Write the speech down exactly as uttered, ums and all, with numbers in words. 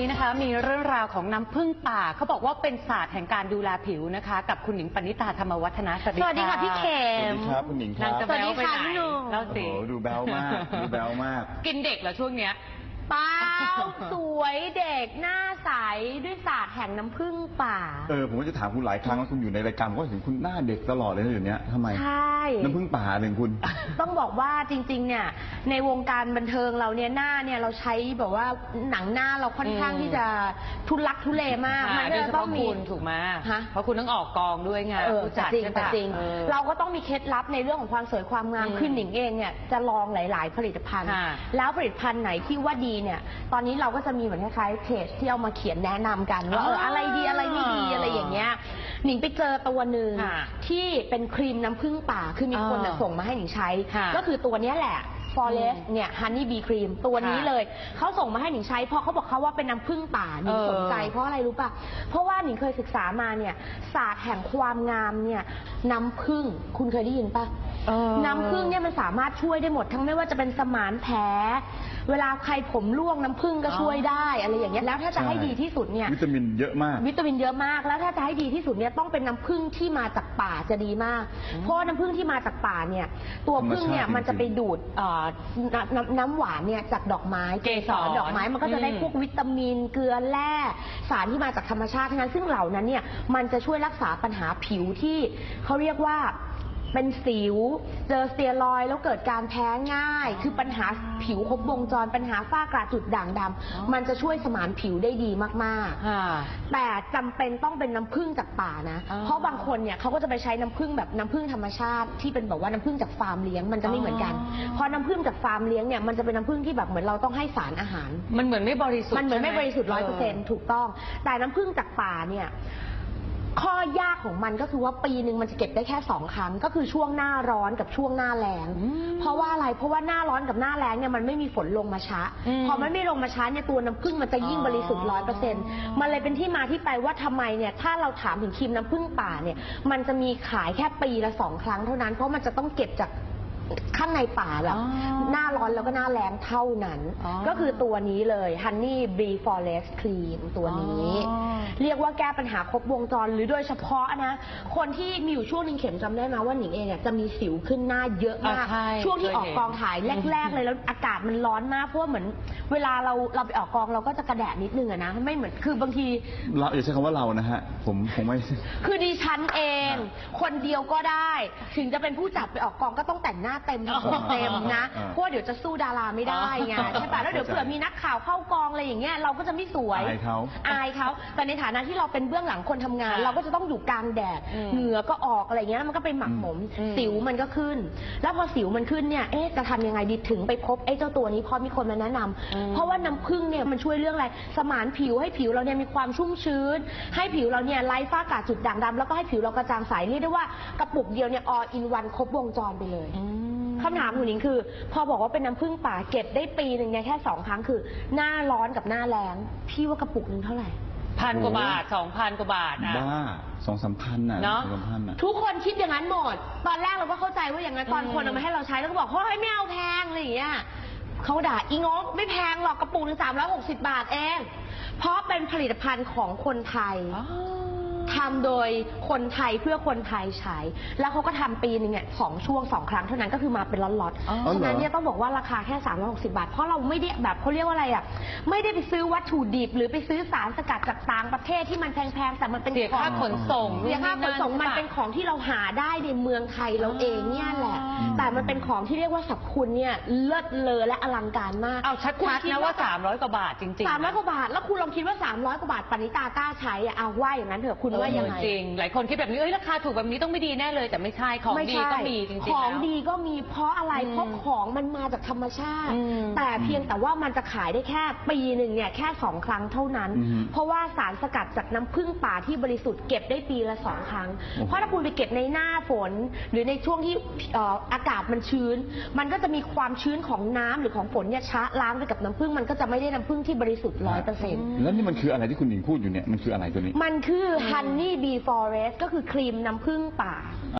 นี้นะคะมีเรื่องราวของน้ำผึ้งป่าเขาบอกว่าเป็นศาสตร์แห่งการดูแลผิวนะคะกับคุณหญิงปณิตาธรรมวัฒนะสวัสดีสวัสดีค่ะพี่เข็มสวัสดีครับคุณหญิงครับสวัสดีค่ะพี่หนุ่มโอ้โหดูแบวมากดูแบวมากกินเด็กเหรอช่วงเนี้ยเปล่าสวยเด็กหน้าใสด้วยศาสตร์แห่งน้ำผึ้งป่าเออผมก็จะถามคุณหลายครั้งแล้วคุณอยู่ในรายการก็เห็นคุณหน้าเด็กตลอดเลยนะอยู่เนี้ยทำไมใช่น้ำผึ้งป่าหนึ่งคุณต้องบอกว่าจริงๆเนี่ยในวงการบันเทิงเราเนี่ยหน้าเนี่ยเราใช้แบบว่าหนังหน้าเราค่อนข้างที่จะทุลักทุเลมากมันจะต้องมีถูกไหมเพราะคุณต้องออกกองด้วยไงผู้จัดจริงจริงเราก็ต้องมีเคล็ดลับในเรื่องของความสวยความงามคือหนิงเองเนี่ยจะลองหลายๆผลิตภัณฑ์แล้วผลิตภัณฑ์ไหนที่ว่าดีเนี่ยตอนนี้เราก็จะมีเหมือนคล้ายๆเพจที่เอามาเขียนแนะนำกันว่าเอออะไรดีอะไรไม่ดีอะไรอย่างเงี้ยหนิงไปเจอตัวหนึ่งที่เป็นครีมน้ำผึ้งป่าคือมีคนส่งมาให้หนิงใช้ก็คือตัวนี้แหละForest เนี่ย Honey Bee Cream ตัวนี้เลยเขาส่งมาให้หนิงใช้เพราะเขาบอกเขาว่าเป็นน้ำผึ้งป่าหนิงสนใจเพราะอะไรรู้ป่ะเพราะว่าหนิงเคยศึกษามาเนี่ยศาสตร์แห่งความงามเนี่ยน้ำผึ้งคุณเคยได้ยินป่ะน้ำผึ้งเนี่ยมันสามารถช่วยได้หมดทั้งไม่ว่าจะเป็นสมานแผลเวลาใครผมร่วงน้ำผึ้งก็ช่วยได้อะไรอย่างเงี้ยแล้วถ้าจะให้ดีที่สุดเนี่ยวิตามินเยอะมากวิตามินเยอะมากแล้วถ้าจะให้ดีที่สุดเนี่ยต้องเป็นน้ำผึ้งที่มาจากป่าจะดีมากเพราะน้ำผึ้งที่มาจากป่าเนี่ยตัวผึ้งเนี่ยมันจะไปดูดน้ำน้ำหวานเนี่ยจากดอกไม้เกสรดอกไม้มันก็จะได้พวกวิตามินเกลือแร่สารที่มาจากธรรมชาติทั้งนั้นซึ่งเหล่านั้นเนี่ยมันจะช่วยรักษาปัญหาผิวที่เขาเรียกว่าเป็นสิวเจอสเตียรอยด์แล้วเกิดการแพ้ง่ายคือปัญหาผิวครบวงจรปัญหาฝ้ากระจุดด่างดำมันจะช่วยสมานผิวได้ดีมากๆแต่จำเป็นต้องเป็นน้ำผึ้งจากป่านะเพราะบางคนเนี่ยเขาก็จะไปใช้น้ำผึ้งแบบน้ำผึ้งธรรมชาติที่เป็นแบบว่าน้ำผึ้งจากฟาร์มเลี้ยงมันจะไม่เหมือนกันพอน้ำผึ้งจากฟาร์มเลี้ยงเนี่ยมันจะเป็นน้ำผึ้งที่แบบเหมือนเราต้องให้สารอาหารมันเหมือนไม่บริสุทธิ์มันเหมือนไม่บริสุทธิ์ร้อยเปอร์เซ็นต์ถูกต้องแต่น้ำผึ้งจากป่าเนี่ยข้อยากของมันก็คือว่าปีหนึ่งมันจะเก็บได้แค่สองครั้งก็คือช่วงหน้าร้อนกับช่วงหน้าแล้งเพราะว่าอะไรเพราะว่าหน้าร้อนกับหน้าแล้งเนี่ยมันไม่มีฝนลงมาช้าพอมันไม่ลงมาช้าเนี่ยตัวน้ำผึ้งมันจะยิ่งบริสุทธิ์ร้อยเปอร์เซ็นต์มันเลยเป็นที่มาที่ไปว่าทำไมเนี่ยถ้าเราถามถึงครีมน้ำผึ้งป่าเนี่ยมันจะมีขายแค่ปีละสองครั้งเท่านั้นเพราะมันจะต้องเก็บจากข้างในป่าแบบหน้าร้อนแล้วก็หน้าแล้งเท่านั้นก็คือตัวนี้เลย Honey Bee Forest Cream ตัวนี้เรียกว่าแก้ปัญหาครบวงจรหรือโดยเฉพาะนะคนที่มีอยู่ช่วงนึงเข็มจำได้ไหมว่าหนิงเองเนี่ยจะมีสิวขึ้นหน้าเยอะมากช่วงที่ออกกองถ่ายแรกๆเลยแล้วอากาศมันร้อนมากเพราะเหมือนเวลาเราเราไปออกกองเราก็จะกระแดดนิดนึงอะนะไม่เหมือนคือบางทีเราอย่าใช้คำว่าเรานะฮะผมผมไม่คือดิฉันเองคนเดียวก็ได้ถึงจะเป็นผู้จัดไปออกกองก็ต้องแต่งหน้าเต็มทั้งผมเต็มนะเพราะเดี๋ยวจะสู้ดาราไม่ได้ไงใช่ป่ะแล้วเดี๋ยวเผื่อมีนักข่าวเข้ากองอะไรอย่างเงี้ยเราก็จะไม่สวยอายเขาอายเขาแต่ในฐานะที่เราเป็นเบื้องหลังคนทำงานเราก็จะต้องอยู่กลางแดดเหงื่อก็ออกอะไรเงี้ยมันก็ไปหมักหมมสิวมันก็ขึ้นแล้วพอสิวมันขึ้นเนี่ยเอ๊ะจะทำยังไงดีถึงไปพบไอ้เจ้าตัวนี้พอมีคนมาแนะนำเพราะว่าน้ำผึ้งเนี่ยมันช่วยเรื่องอะไรสมานผิวให้ผิวเราเนี่ยมีความชุ่มชื้นให้ผิวเราเนี่ยไร้ฝ้ากระจุดด่างดำแล้วก็ให้ผิวเรากระจ่างใสเรียกได้ว่ากระปุกเดียวเนี่ย all in one ครบวงจรไปเลยคำถามของหนิงคือพอบอกว่าเป็นน้ำผึ้งป่าเก็บได้ปีหนึ่งเนี่ยแค่สองครั้งคือหน้าร้อนกับหน้าแล้งพี่ว่ากระปุกหนึ่งเท่าไหร่พันกว่าบาทสองพันกว่าบาทอ่ะบ้าสองสามพันอ่ะเนาะะทุกคนคิดอย่างนั้นหมดตอนแรกเราก็เข้าใจว่าอย่างนั้นตอนคนเอามาให้เราใช้แล้วก็บอกเฮ้ยไม่เอาแพงอะไรอย่างเงี้ยเขาด่าอีงงไม่แพงหรอกกระปุกหนึ่งสามร้อยหกสิบบาทเองเพราะเป็นผลิตภัณฑ์ของคนไทยทำโดยคนไทยเพื่อคนไทยใช้แล้วเขาก็ทำปีนึงเนี่ยสองช่วงสองครั้งเท่านั้นก็คือมาเป็นล็อตๆฉะนั้นเนี่ยต้องบอกว่าราคาแค่สามร้อยหกสิบบาทเพราะเราไม่ได้แบบเขาเรียกว่าอะไรอ่ะไม่ได้ไปซื้อวัตถุดิบหรือไปซื้อสารสกัดจากต่างประเทศที่มันแพงๆแต่มันเป็นเสียค่าขนส่งเสียค่าขนส่งมันเป็นของที่เราหาได้ในเมืองไทยเราเองเนี่ยแหละแต่มันเป็นของที่เรียกว่าสรรพคุณเนี่ยเลิศเลอและอลังการมากเอาชัดๆนะว่าสามร้อยกว่าบาทจริงๆสามร้อยกว่าบาทแล้วคุณลองคิดว่าสามร้อยกว่าบาทปณิตากล้าใช้อ่ะเอาว่าอย่างนั้นเถอะคุณว่ายังไงจริงหลายคนคิดแบบนี้เอ้ยราคาถูกแบบนี้ต้องไม่ดีแน่เลยแต่ไม่ใช่ของดีก็มีจริงๆของดีก็มีเพราะอะไรเพราะของมันมาจากธรรมชาติแต่เพียงแต่ว่ามันจะขายได้แค่ปีหนึ่งเนี่ยแค่สองครั้งเท่านั้นเพราะว่าสารสกัดจากน้ำผึ้งป่าที่บริสุทธิ์เก็บได้ปีละสองครั้งเพราะถ้าคุณไปเก็บในหน้าฝนหรือในช่วงที่อากาศมันชื้นมันก็จะมีความชื้นของน้ำหรือของฝนเนี่ยชะล้างไปกับน้ำผึ้งมันก็จะไม่ได้น้ำผึ้งที่บริสุทธิ์ร้อยเปอร์เซ็นต์แล้วนี่มันคืออะไรที่คุณหญิงพูดอยู่เนี่ยมันคืออะไรตัวนี้มันคือ Honey Bee Forest ก็คือครีมน้ำผึ้งป่า